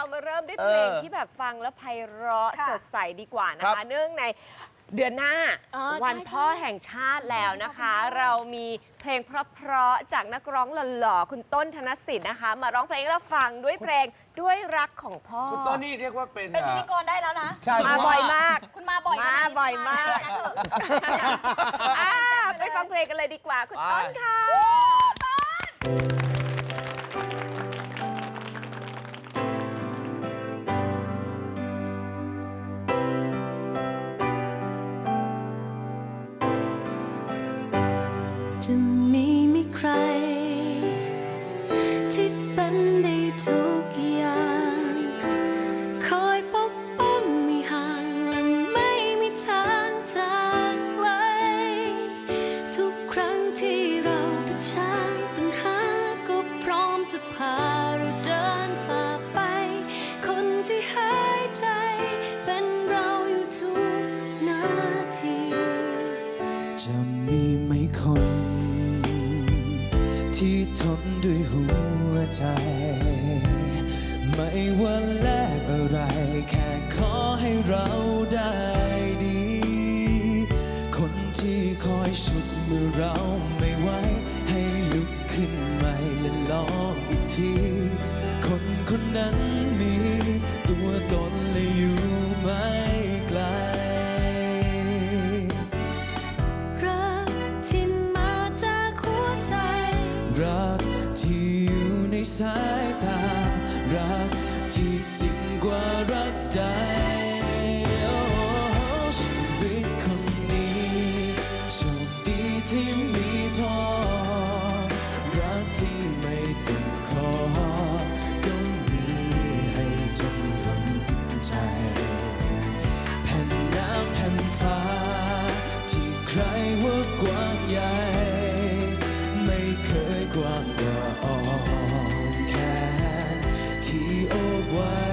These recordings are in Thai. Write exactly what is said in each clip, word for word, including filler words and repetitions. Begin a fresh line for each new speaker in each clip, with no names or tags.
มาเริ่มด้วยเพลงที่แบบฟังแล้วไพเราะสดใสดีกว่านะคะเนื่องในเดือนหน้าวันพ่อแห่งชาติแล้วนะคะ เรามีเพลงเพราะๆจากนักร้องหล่อๆคุณต้นธนสิทธิ์นะคะ มาร้องเพลงให้เราฟังด้วยเพลงด้วยรักของพ่อ
คุณต้นนี่เรียกว่าเป็น
เป็นพิธีกรได้แล้วนะ
ใช่
มาบ่อยมาก
คุณมาบ่อย
มาบ่อยมากไปฟังเพลงกันเลยดีกว่าคุณต้นค่ะ
จะมีไม่ใครที่เป็นได้ทุกอย่างคอยปกป้องไม่ห่างและไม่มีทางจากไกลทุกครั้งที่เราเผชิญปัญหาก็พร้อมจะพาเราเดินฝ่าไปคนที่หายใจเป็นเราอยู่ทุกนาทีจะมีไหมคนที่ทนด้วยหัวใจไม่ว่าแลกอะไรแค่ขอให้เราได้ดีคนที่คอยฉุดเมื่อเราไม่ไหวให้ลุกขึ้นใหม่และลองอีกทีคนคนนั้นมีตัวตนและอยู่ไม่ไกลรักที่อยู่ในสายตารักที่จริงกว่ารักใดชีวิตคนนี้โชคดีที่มีพ่อรักที่ไม่ติดคอก็มีให้จนล้นใจแผ่นน้ำแผ่นฟ้าที่ใครว่ากว้างใหญ่ไม่เคยกว้างกว่าอ้อมแขนที่โอบไว้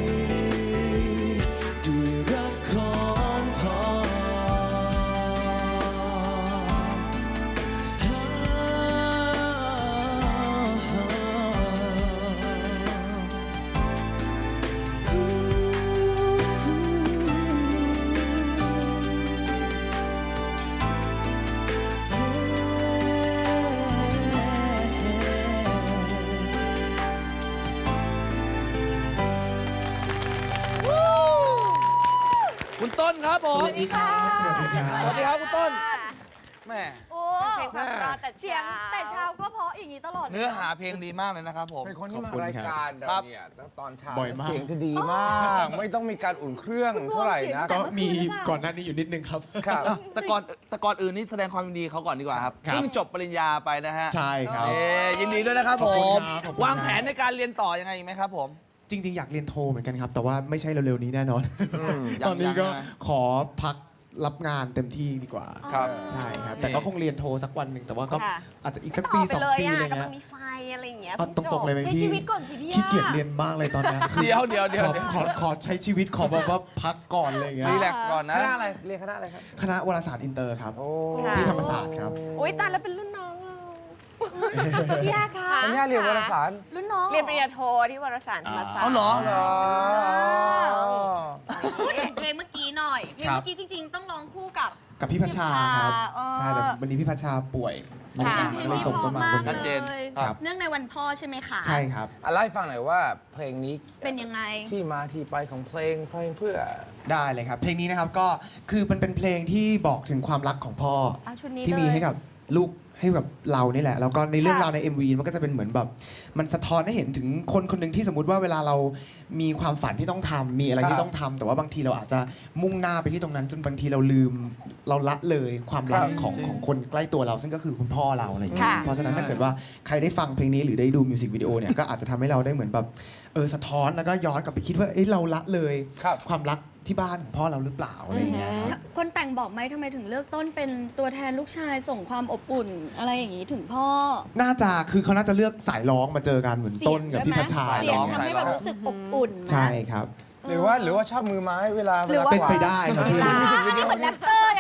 ด้วยรักของพ่อ
คุณต้นครับผม
สวัสดีค่ะ
สวัสดีครับสวัสดีครับคุณต้นแม่
โอ้
เพลงเพราะแต่
เสียงแต่เช้าก็เพราะอย่างนี้ตลอด
เนื้อหาเพลงดีมากเลยนะครับผม
เป็นคนที่มารายการเราเนี่ยตอนเช้า
บ่อยมาก
เสียงจะดีมาก ไม่ต้องมีการอุ่นเครื่องเท่าไหร่นะ
ก็มีก่อนหน้านี้อยู่นิดนึงครับ
ครับ
แต่ก่อนแต่ก่อนอื่นนี่แสดงความยินดีเขาก่อนดีกว่าครับ
ครับ
เพิ่งจบปริญญาไปนะฮะ
ใช่ครับ
เอ้ยินดีด้วยนะครับ
ข
ผ
อบคุณ
ม
ครับขอบคุณ
วางแผนในการเรียนต่อยังไงอีกไหมครับผม
จริง ๆ อยากเรียนโทเหมือนกันครับ แต่ว่าไม่ใช่เร็วๆนี้แน่นอน
ยัง
ตอนนี้ก็
ยังนะ
ขอพักรับงานเต็มที่ดีกว่า
ครับ
ใช่ครับ แต่ก็คงเรียนโทสักวันหนึ่งแต่ว่าก็อาจจะอีกสักปี
ไป
สอง
เลย
ปี
อ่ะ
อะไร
กำลั
เงี้
ง
ย
มีไฟอะไรอย่างเงี้ย
เอาตรงๆเลยไหม
ใช้
พี่
ชีวิตก่อนสิพี่
ขี้เกียจเรียนมากเลยตอนนี้คือ
เดี๋ยวเดี๋ยวเดี๋ยว
ขอ
เดี๋ยว
ขอขอใช้ชีวิตขอแบบว่าพักก่อนเลยเงี้ย
รีแลกซ์ก่อน
ค
นะ
ณะอะไร เรียนคณะอะไรครับ
คณะวารสารอินเตอร์ครับ
โอ้
ที่ธรรมศาสตร์ครับ
อุ้ยตายแล้วเป็นรุ่นน้องเรา
พี่อาค่ะ
คุณย่าเรียนวารสาร
รุ่นน้อง
เรียนปริญญาโทที่วารสารธรรมศาสตร์
เอาเหรอ
อ๋อ
พูดถึงเพลงเมื่อกี้หน่อยเพลงเมื่อกี้จริง ๆ ต้องร้องคู่กับ
กับพี่พัชชาครับ
อ๋อ
ใช่แต่วันนี้พี่พัชชาป่วย
ค่ะ
ก็เลยส่งต้นมาบน
ชัดเจน
เลย
ครับ
เนื่องในวันพ่อใช่ไหมคะ
ใช่ครับ
อ่ะเล่าให้ฟังหน่อยว่าเพลงนี้
เป็นยังไง
ที่มาที่ไปของเพลงเพลงเพื่อ
ได้เลยครับ เพลงนี้นะครับก็คือมันเป็นเพลงที่บอกถึงความรักของพ่อ
อ่ะชุดนี้
ที่มี
เลย
ให้กับลูก ให้แบบเรานี่แหละแล้วก็ในเรื่อง
ค่ะ
ราวใน เอ็ม วี มันก็จะเป็นเหมือนแบบมันสะท้อนให้เห็นถึงคนคนหนึ่งที่สมมติว่าเวลาเรามีความฝันที่ต้องทำมีอะไร
ครั
ที่
บ
ต้องทำแต่ว่าบางทีเราอาจจะมุ่งหน้าไปที่ตรงนั้น จนบางทีเราลืมเราละเลยความรัก
ครับ
ของ
จริง
ของคนใกล้ตัวเรา ซึ่งก็คือคุณพ่อเราอะไรอย่างเงี้ย
ค่ะ
เพราะฉะนั้นถ้าเกิดว่าใครได้ฟังเพลงนี้หรือได้ดูมิวสิกวิดีโอเนี่ยก็อาจจะทำให้เราได้เหมือนแบบเออสะท้อนแล้วก็ย้อนกลับไปคิดว่าเอ้ยเราละเลย
ครับ
ความรักที่บ้านของพ่อเราหรือเปล่าอะไรอย่างเงี้ยครับ
คนแต่งบอกไหมทำไมถึงเลือกต้นเป็นตัวแทนลูกชายส่งความอบอุ่น อะไรอย่างนี้ถึงพ่อ
น่าจะคือเขาน่าจะเลือกสายร้องมาเจอกันเหมือนต้นกับพี่พัชชา
เสียง
ร้อง
ทำให้แบบรู้สึกอบอุ่นไหม
ใช่ครับ
หรือว่าหรือว่าชอบมือไม้เวลา
หรือว่า
วล
เป็นไปได้ครับพี่
อ่านี่เหมือนแรปเตอร์ยังไง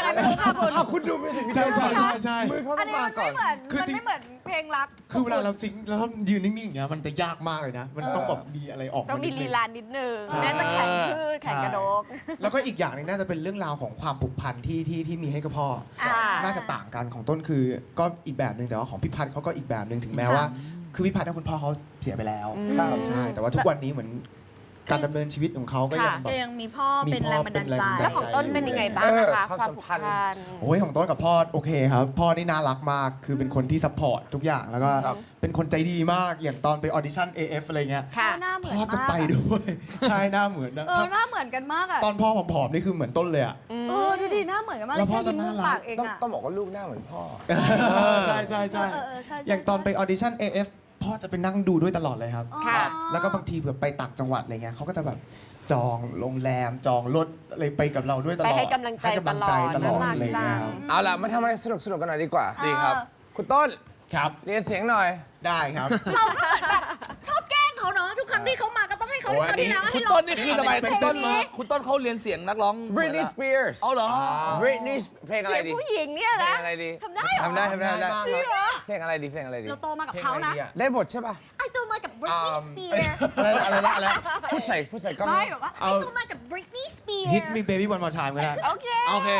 อะไรไม่รู้ค่ะคุณ
อ้าวคุณดูมิวสิกวิดี
ใช่
โอ
ใช่ใช่ใช่
มือเขา
อั
ต้
น
อง
นี้
มา
มัน
ก่อ
ไม่
น
เหมือน
คือ
มัน
จริง
ไม่เหมือนเพลงรัก
คือเวลาเราซิงค์แล้วยืนนิ่งๆอย่างเงี้ยมันจะยากมากเลยนะ มันต้องแบบมีอะไรออก
ต้องมี
ดนึ
ลี
ง
ลานิดนึง
ใช่
น่าจะแข่งพืชแข่งกระโดก
แล้วก็อีกอย่างหนึงน่าจะเป็นเรื่องราวของความผูกพันที่ที่ที่มีให้กับพ่อ
อ่า
น่าจะต่างกันของต้นคือก็อีกแบบหนึ่งแต่ว่าของพี่พัฒน์เขาก็อีกแบบหนึ่งถึงแม้ว่า คือพี่พัฒน์เนี่ยคุณพ่อเขาเสียไปแล้ว
อืม
ครับใช่แต่ว่าทุกวันนี้เหมือนการดำเนินชีวิตของเขาก็ยัง
ค่ะ
แบบ
ยังมีพ่อ
มี
เป็น
พ่อ
แรงบันดาล
เป็นแรง
ใจ
บันดาลใจ
แล้วของต้นเป็นยังไงบ้างนะคะ
เออ
ความผูกพัน
โอ้ยของต้นกับพ่อโอเคครับ พ่อนี่น่ารักมากคือเป็นคนที่ซัพพอร์ตทุกอย่างแล้วก็
ครับ
เป็นคนใจดีมากอย่างตอนไปออดิชั่น เอ เอฟ อะไรเงี้ย
ค่ะ
หน้าเหมือน
พ่อ
มาก
จะไปด้วยใช่หน้าเหมือนนะ
เออหน้าเหมือนกันมากอะ
ตอนพ่อผอมๆนี่คือเหมือนต้นเลยอ่ะ
เออดูดิหน้าเหมือนกันมาก
แล้วพ่อ
ค่ยิ้ม
จะน่ารัก
ปากเอง
ต้อง
อะ
ต้องบอกว่าลูกหน้าเหมือนพ่อ
ใช่ใช่ใช่
เออเออใช่ใช่
อย่างตอนไปออดิชั่น เอ เอฟ พ่อจะไปนั่งดูด้วยตลอดเลยครับ
อ๋อ
ค่ะ
แล้วก็บางทีแบบไปต่างจังหวัดอะไรเงี้ยเขาก็จะแบบจองโรงแรมจองรถอะไรไปกับเราด้วยตลอด
ไปให้กำลังใจ
ห้กำลังใจต
ต
ล
ล
อ
อ
ด
ด
อะไรเงี้ย
น่ารักจั
ค
ง
รับ
เอาล่ะมาทำอะไรสนุกสนุกๆกันหน่อยดีกว่า
ดีครับ
คุณต้น
ครับ
เรียนเสียงหน่อย
ได้ครับ
เราก็เหมือนแบบชอบแกล้งเขาเนาะทุกครั้งที่เขามาก็ต้องให้เขา
โอ้ย
เขาวที่แล้ว
คุ
ให้
ณ
เรา
ต้นนี่คือทำไม
เพล
คุณ
ง
ต้น
นี้
คุณต้นเขาเรียนเสียงนักร้อง
Britney Spears
เอาเหรอ
Britney เพลงอะไรดี
ผู้หญิงเนี่ย
เพล
นะ
งอะไรดี
ทำได้เหรอ
ทำได้ทำได้ทำได้
จริงเหรอ
เพลงอะไรดีเพลงอะไรดี
เราโตมากับเขานะ
ได้บทใช่ป่ะ
ไอโตมากับ Britney
อ่า
Spears
อะไรอะไรนะอะไรพูดใส่พูดใส่กล้อง
ไม่แบบว่าไอ
เอา
โตมากับ Britney Spears
Hit me baby one more time ก็ได้
โอเค
โอเค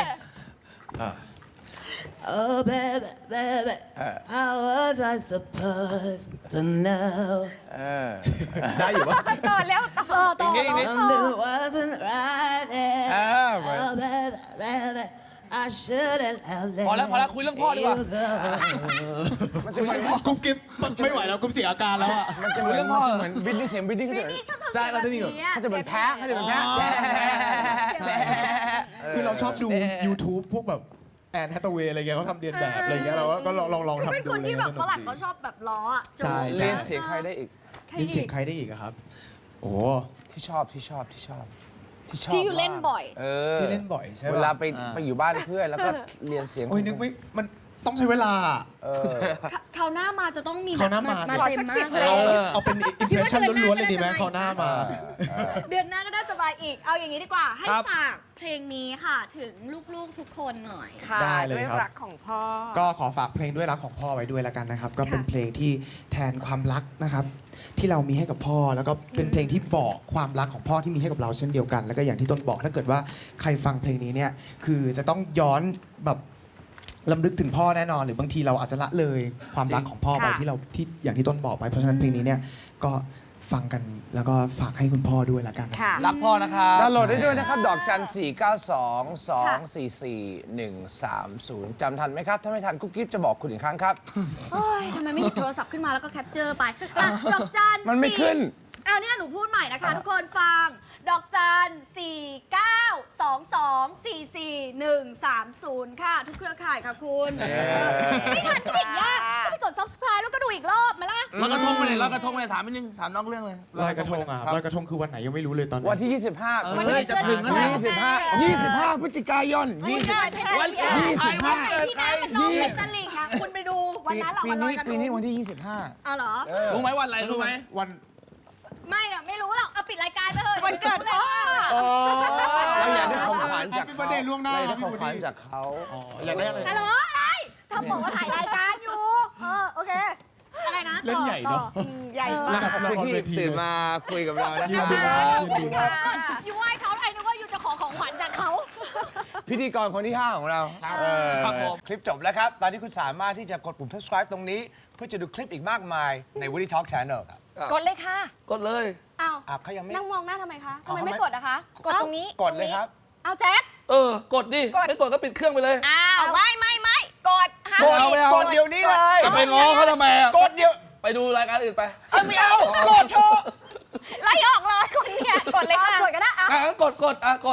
Oh baby baby how was I supposed to know
เออ
ได้อยู่ปะ
ต่อแล้วต่อ
เออต่อ
อีกนิด
ต่อ
Something wasn't right there
อ่า
Oh baby baby I shouldn't have let
พอแล้วพอแล้วคุยเรื่องพ่อดีกว่า
you go
มันจะเหมือน
กุ๊บกิ๊บไม่ไหวแล้วกุ๊บเสียอาการแล้วอ่ะ
มันจะเหมือนมันจะเหมือนบินนี่เสียงบินนี่เขาจะเหมือน
นี่ชอบทำ
ใช่
เสียง
มันจะมีแบบ
นี้อะ
เขาจะเหมือนแพ้เขาจะเหมือนแพ้
ใช่คือเราชอบดู YouTube พวกแบบแอนแฮตเวย์อะไรเงี้ยเขาทำเรียนแบบอะไรเงี้ยเราก็ลองลองลอง
คือเป็น
ทำดู
คน
เลย
ที่แบบ
สนุ
ฝ
ก
รั่ง
ดี
เขาชอบแบบล้ออะ
ใช่ใช่
เรียนเสียงใครได้อีก
ใคร
เล่น
อี
เสียง
ก
ใครได้อีกอะครับ โอ้
ที่ชอบที่ชอบที่ชอบที่ชอบ
ที่อยู่เล่นบ่อย
เออ
ที่เล่นบ่อยใช่
เว
ปะ
ลาไปไปอยู่บ้านเพื่อนแล้วก็เรียนเสียง
โอ้ยนึกไม่มันต้องใช้เวลา
เออ
คราวหน้ามาจะต้องมี
คราวหน้ามา
มาเต็มมากเลย
เอาเอาเป็นอิมเพรสชั่นล้วนๆเลยดีไหมเขาวหน้ามา
เดือนหน้าก็น่าจะมาอีก เอาอย่างนี้ดีกว่า ให้
ครับ
ฝากเพลงนี้ค่ะ ถึงลูกๆทุกคนหน่อย
ค่ะ
ได้เลย
ด้วย
ครับ
รักของพ่อ
ก็ขอฝากเพลงด้วยรักของพ่อไว้ด้วยแล้วกันนะครับ ก็เป็นเพลงที่แทนความรักนะครับ ที่เรามีให้กับพ่อ แล้วก็เป็นเพลงที่บอกความรักของพ่อที่มีให้กับเราเช่นเดียวกัน แล้วก็อย่างที่ต้นบอกถ้าเกิดว่าใครฟังเพลงนี้เนี่ยคือจะต้องย้อนแบบลำลึกถึงพ่อแน่นอน หรือบางทีเราอาจจะละเลยความรักของพ่อไป
ค่ะ
ที่เราที่อย่างที่ต้นบอกไปเพราะฉะนั้นเพลงนี้เนี่ยก็ฟังกันแล้วก็ฝากให้คุณพ่อด้วยละกัน
ค่ะ
รักพ่อนะครับ
ดาวน์โหลดได้ด้วยนะครับ ดอกจัน สี่ เก้า สอง สอง สี่ สี่ หนึ่ง สาม ศูนย์ จำทันไหมครับ ถ้าไม่ทันกุ๊บกิ๊บจะบอกคุณอีกครั้งครับ
โอ้ยทำไมไม่หยิบโทรศัพท์ขึ้นมาแล้วก็แคปเจอร์ไปอ่ะดอกจัน
มันไม่ขึ้น
เอาเนี่ยหนูพูดใหม่นะคะ ทุกคนฟัง ดอกจัน สี่ เก้า สอง สอง สี่ สี่ หนึ่ง สาม ศูนย์ ค่ะ ทุกเครือข่ายค่ะคุณไม่ทันก็ไม่ยากก็ไปกด subscribe แล้วก็ดูอีกรอบมาละ
ลอยกระทงไปไหนลอยกระทงไปไหนถามนิดนึงถามนอกเรื่องเลย
ลอยกระทงอ่ะ
ครับ
ลอยกระทงคือวันไหนยังไม่รู้เลยตอนนี้
วันที่ ยี่สิบห้า
เออ
วันที่
จะถึงแล้ว
ยี่สิบห้า ยี่สิบห้าพฤศจิกายนยี่สิบ
วันที่
ยี่สิบห้า
วันไหนที่น้ำมันนองเป็นตลิ่งอ่ะคุณไปดูวันนั้นเหรอ
ปี
วันลอ
นี้
ยกระท
ปี
ง
นี้วันที่ ยี่สิบห้า
เอาเหรอ
เออ
รู้ไหมวันอะไรรู้ไหม
วัน
ไม่อะไม่รู้หรอกเอาปิดรายการไปเถอะ
วันเกิดพ่อ
เราอยากได้ของขวัญจาก
Happy
เขา
birthday ล่วงหน้า
เราอยากได้
พี่
ของขวัญ
วูดดี้
จากเขา
อยากได้อะไร
ฮัลโหลอะไรทำบอกว่าถ่ายรายการอยู่เออโอเคอะไรนะ
เล่นใหญ่เนอะ
ต่อ
ใหญ่
เออ
มาก
ขอบคุณที่ตื่นมาคุยกับเรานะ
ยิ
คน รับ
ดีครับยินดีครับ
อยู่ไหว้เขาไอ้นึกว่าอยู่จะขอของขวัญจากเขา
พิธีกรคนที่ ห้า ของเราเออ
ครับผม
คลิปจบแล้วครับ ตอนนี้คุณสามารถที่จะกดปุ่ม subscribe ตรงนี้ เพื่อจะดูคลิปอีกมากมายใน Woody Talk Channel ครับ
กดเลยค่ะ
กดเลย
อ้าว
อ่ะเขายังไม่
นั่งมองหน้าทำไมคะทำ
เอา
ไม
ทำไม
ไม่กดอะคะ
กดตรงนี้
กดเลยครับ
เอาแจ็ค
เออ กดดิ ไม่กดก็ปิดเครื่องไปเลย
อ้าวไม่ไม่ไม่กดห้าม
กดเอาไม่เอา
กดเดี๋ยวนี้เลย
จะไปง้อเขาทำไมอะ
กดเดี๋ยว
ไปดูรายการอื่นไป
เอาไม่เอากดเถอะ
ไล่ออกเลยคนเนี่ยกดเลยค่ะ
กดก็ได้อะ
อ่ะงั้นกดกดอ่ะกด